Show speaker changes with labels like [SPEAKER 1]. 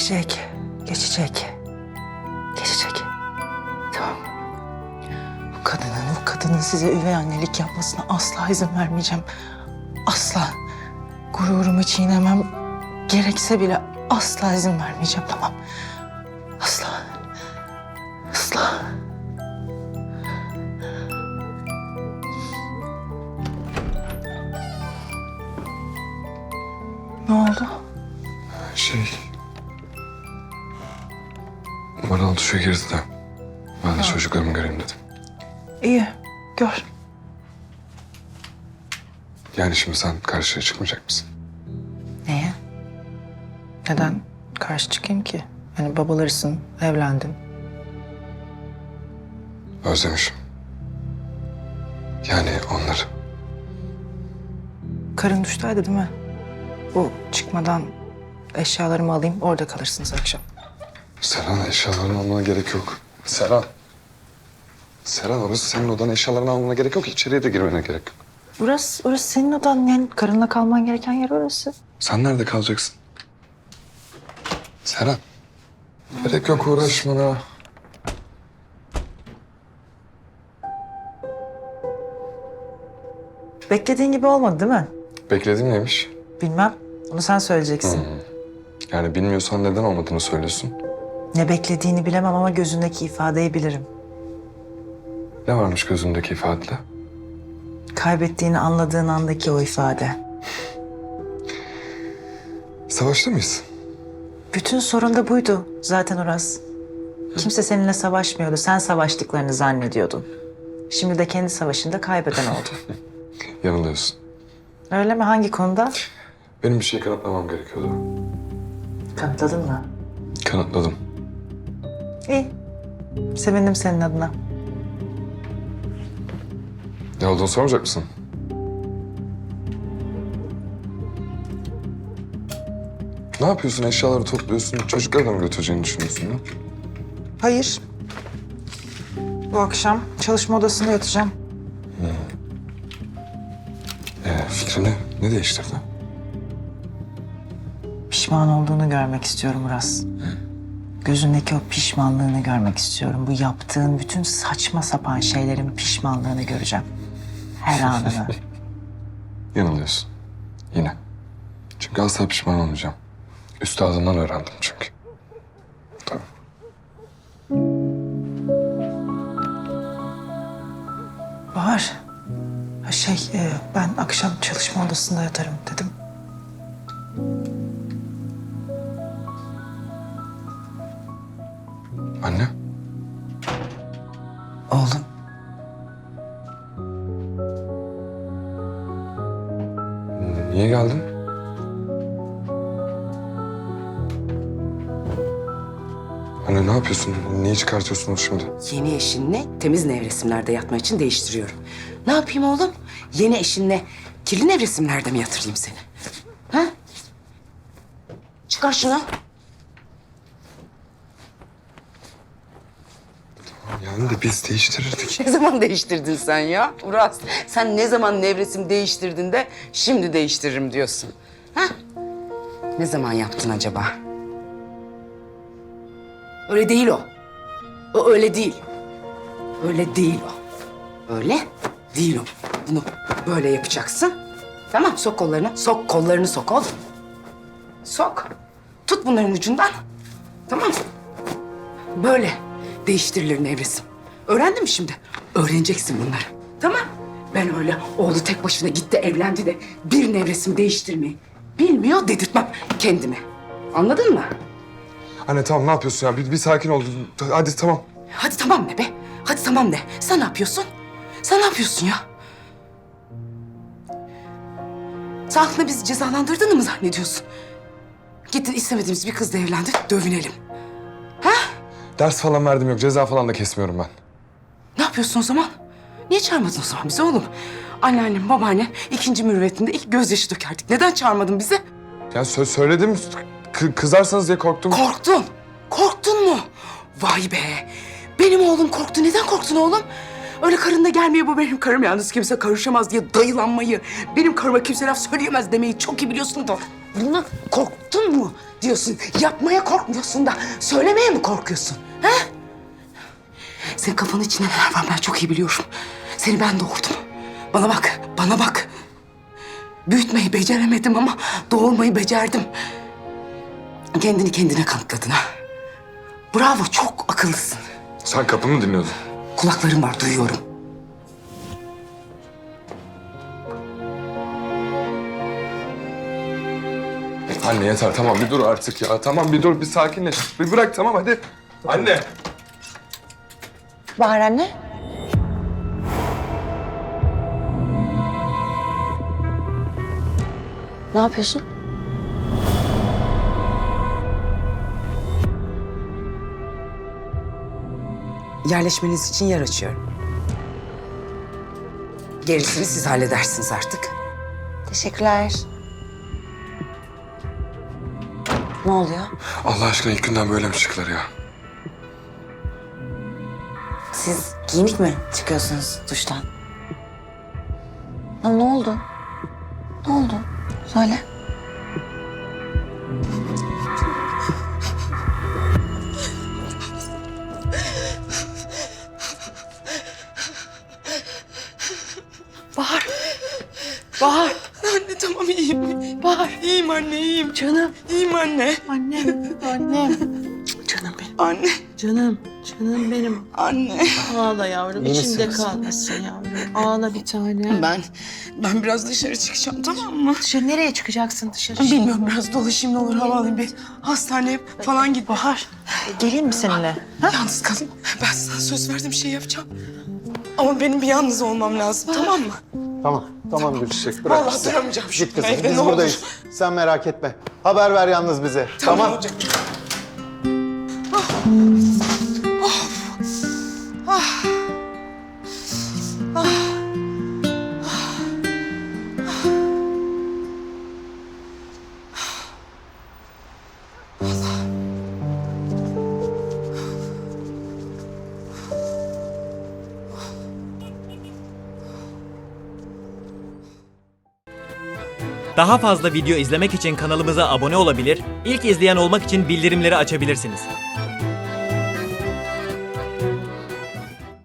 [SPEAKER 1] Geçecek. Geçecek. Geçecek. Tamam. Bu kadının size üvey annelik yapmasına asla izin vermeyeceğim. Asla. Gururumu çiğnemem gerekse bile asla izin vermeyeceğim, tamam. Asla. Asla. Ne oldu?
[SPEAKER 2] Bana duşa girdi de. Ben de çocuklarımı göreyim dedim.
[SPEAKER 1] İyi, gör.
[SPEAKER 2] Yani şimdi sen karşıya çıkmayacak mısın?
[SPEAKER 1] Neye? Neden karşı çıkayım ki? Yani babalarısın, evlendin.
[SPEAKER 2] Özlemişim. Yani onları.
[SPEAKER 1] Karın duştaydı değil mi? Bu çıkmadan eşyalarımı alayım, orada kalırsınız akşam.
[SPEAKER 2] Seren, eşyalarını almana gerek yok. Seren. Seren, orası senin odan, eşyalarını almana gerek yok. İçeriye de girmene gerek yok.
[SPEAKER 1] Orası senin odan, yani karınla kalman gereken yer orası.
[SPEAKER 2] Sen nerede kalacaksın? Seren. Gerek yok, uğraşmana.
[SPEAKER 1] Beklediğin gibi olmadı değil mi?
[SPEAKER 2] Beklediğin neymiş?
[SPEAKER 1] Bilmem, onu sen söyleyeceksin.
[SPEAKER 2] Yani bilmiyorsan neden olmadığını söylüyorsun.
[SPEAKER 1] Ne beklediğini bilemem ama gözündeki ifadeyi bilirim.
[SPEAKER 2] Ne varmış gözündeki ifadede?
[SPEAKER 1] Kaybettiğini anladığın andaki o ifade.
[SPEAKER 2] Savaşta mıyız?
[SPEAKER 1] Bütün sorun da buydu zaten Uras. Kimse seninle savaşmıyordu. Sen savaştıklarını zannediyordun. Şimdi de kendi savaşında kaybeden oldun.
[SPEAKER 2] Yanılıyorsun.
[SPEAKER 1] Öyle mi? Hangi konuda?
[SPEAKER 2] Benim bir şey kanıtlamam gerekiyordu.
[SPEAKER 1] Kanıtladın mı?
[SPEAKER 2] Kanıtladım.
[SPEAKER 1] İyi. Sevindim senin adına.
[SPEAKER 2] Ne olduğunu sormayacak mısın? Ne yapıyorsun? Eşyaları topluyorsun. Çocukları da mı götüreceğini düşünüyorsun ya?
[SPEAKER 1] Hayır. Bu akşam çalışma odasında yatacağım.
[SPEAKER 2] Fikrini ne değiştirdi?
[SPEAKER 1] Pişman olduğunu görmek istiyorum Uras. Gözündeki o pişmanlığını görmek istiyorum. Bu yaptığın bütün saçma sapan şeylerin pişmanlığını göreceğim. Her anını.
[SPEAKER 2] Yanılıyorsun. Yine. Çünkü asla pişman olmayacağım. Üstadından öğrendim çünkü. Tamam.
[SPEAKER 1] Bahar. Ben akşam çalışma odasında yatarım dedim.
[SPEAKER 2] Anne.
[SPEAKER 1] Oğlum.
[SPEAKER 2] Niye geldin? Anne ne yapıyorsun? Niye çıkartıyorsun onu şimdi?
[SPEAKER 3] Yeni eşinle temiz nevresimlerde yatma için değiştiriyorum. Ne yapayım oğlum? Yeni eşinle kirli nevresimlerde mi yatırayım seni? Ha? Çıkar şunu.
[SPEAKER 2] Yani de biz değiştirirdik.
[SPEAKER 3] Ne zaman değiştirdin sen ya Uras? Sen ne zaman nevresim değiştirdin de şimdi değiştiririm diyorsun. Ha? Ne zaman yaptın acaba? Öyle değil o. O öyle değil. Öyle değil o. Öyle değil o. Bunu böyle yapacaksın. Tamam, sok kollarını. Sok kollarını sok oğlum. Sok. Tut bunların ucundan. Tamam. Böyle değiştirilir nevresim. Öğrendin mi şimdi? Öğreneceksin bunları. Tamam. Ben öyle oğlu tek başına gitti evlendi de bir nevresim değiştirmeyi bilmiyor dedirtmem kendime. Anladın mı?
[SPEAKER 2] Anne tamam ne yapıyorsun ya? Bir sakin ol. Hadi tamam.
[SPEAKER 3] Hadi tamam ne be? Hadi tamam ne? Sen ne yapıyorsun? Sen ne yapıyorsun ya? Sen aklına bizi cezalandırdığını mı zannediyorsun? Gittin istemediğimiz bir kızla evlendin, dövünelim. Ha?
[SPEAKER 2] Ders falan verdim yok. Ceza falan da kesmiyorum ben.
[SPEAKER 3] Ne yapıyorsun o zaman? Niye çağırmadın o zaman bizi oğlum? Anneannem, babaanne ikinci mürüvvetinde ilk gözyaşı dökerdik. Neden çağırmadın bizi?
[SPEAKER 2] Ya söyledim. Kızarsanız diye korktum.
[SPEAKER 3] Korktun. Korktun mu? Vay be. Benim oğlum korktu. Neden korktun oğlum? Öyle karınla gelmiyor bu benim karım yalnız kimse karışamaz diye dayılanmayı, benim karıma kimse laf söyleyemez demeyi çok iyi biliyorsun da Bundan korktun mu diyorsun? Yapmaya korkmuyorsun da söylemeye mi korkuyorsun? Ha? Senin kafanın içinde neler var ben çok iyi biliyorum. Seni ben doğurdum. Bana bak, bana bak. Büyütmeyi beceremedim ama doğurmayı becerdim. Kendini kendine kanıtladın ha. Bravo, çok akıllısın.
[SPEAKER 2] Sen kapımı mı dinliyordun?
[SPEAKER 3] Kulaklarım var, duyuyorum.
[SPEAKER 2] Anne yeter tamam bir dur artık ya. Tamam bir dur bir sakinleş. Bir bırak tamam hadi. Anne.
[SPEAKER 1] Bahar anne. Ne yapıyorsun?
[SPEAKER 3] Yerleşmeniz için yer açıyorum. Gerisini siz halledersiniz artık.
[SPEAKER 1] Teşekkürler. Ne oluyor?
[SPEAKER 2] Allah aşkına ilk günden böyle mi çıktılar ya?
[SPEAKER 1] Siz giyinik mi çıkıyorsunuz duştan? Ya ne oldu? Ne oldu? Söyle. Bahar. Bahar.
[SPEAKER 3] Anne tamam iyiyim.
[SPEAKER 1] Bahar.
[SPEAKER 3] İyiyim anne iyiyim.
[SPEAKER 1] Canım.
[SPEAKER 3] İyiyim anne.
[SPEAKER 1] Annem. Annem. Canım benim.
[SPEAKER 3] Anne.
[SPEAKER 1] Canım. Canım benim.
[SPEAKER 3] Anne.
[SPEAKER 1] Ağla yavrum. İçinde kalmasın yavrum. Ağla bir tane.
[SPEAKER 3] Ben biraz dışarı çıkacağım tamam mı?
[SPEAKER 1] Dışarı nereye çıkacaksın dışarı?
[SPEAKER 3] Bilmiyorum biraz dolaşayım ne olur hava alayım bir hastaneye falan git.
[SPEAKER 1] Bahar. Geleyim mi seninle? Ha?
[SPEAKER 3] Yalnız kalayım. Ben sana söz verdiğim şey yapacağım. Ama benim bir yalnız olmam lazım tamam mı?
[SPEAKER 4] Tamam Gülçiçek bırak
[SPEAKER 3] Vallahi
[SPEAKER 4] bizi.
[SPEAKER 3] duramayacağım şu
[SPEAKER 4] Git kızım
[SPEAKER 3] evde,
[SPEAKER 4] biz
[SPEAKER 3] ne
[SPEAKER 4] buradayız. Sen merak etme. Haber ver yalnız bize. Tamam.
[SPEAKER 3] Olacak.
[SPEAKER 5] Daha fazla video izlemek için kanalımıza abone olabilir, ilk izleyen olmak için bildirimleri açabilirsiniz.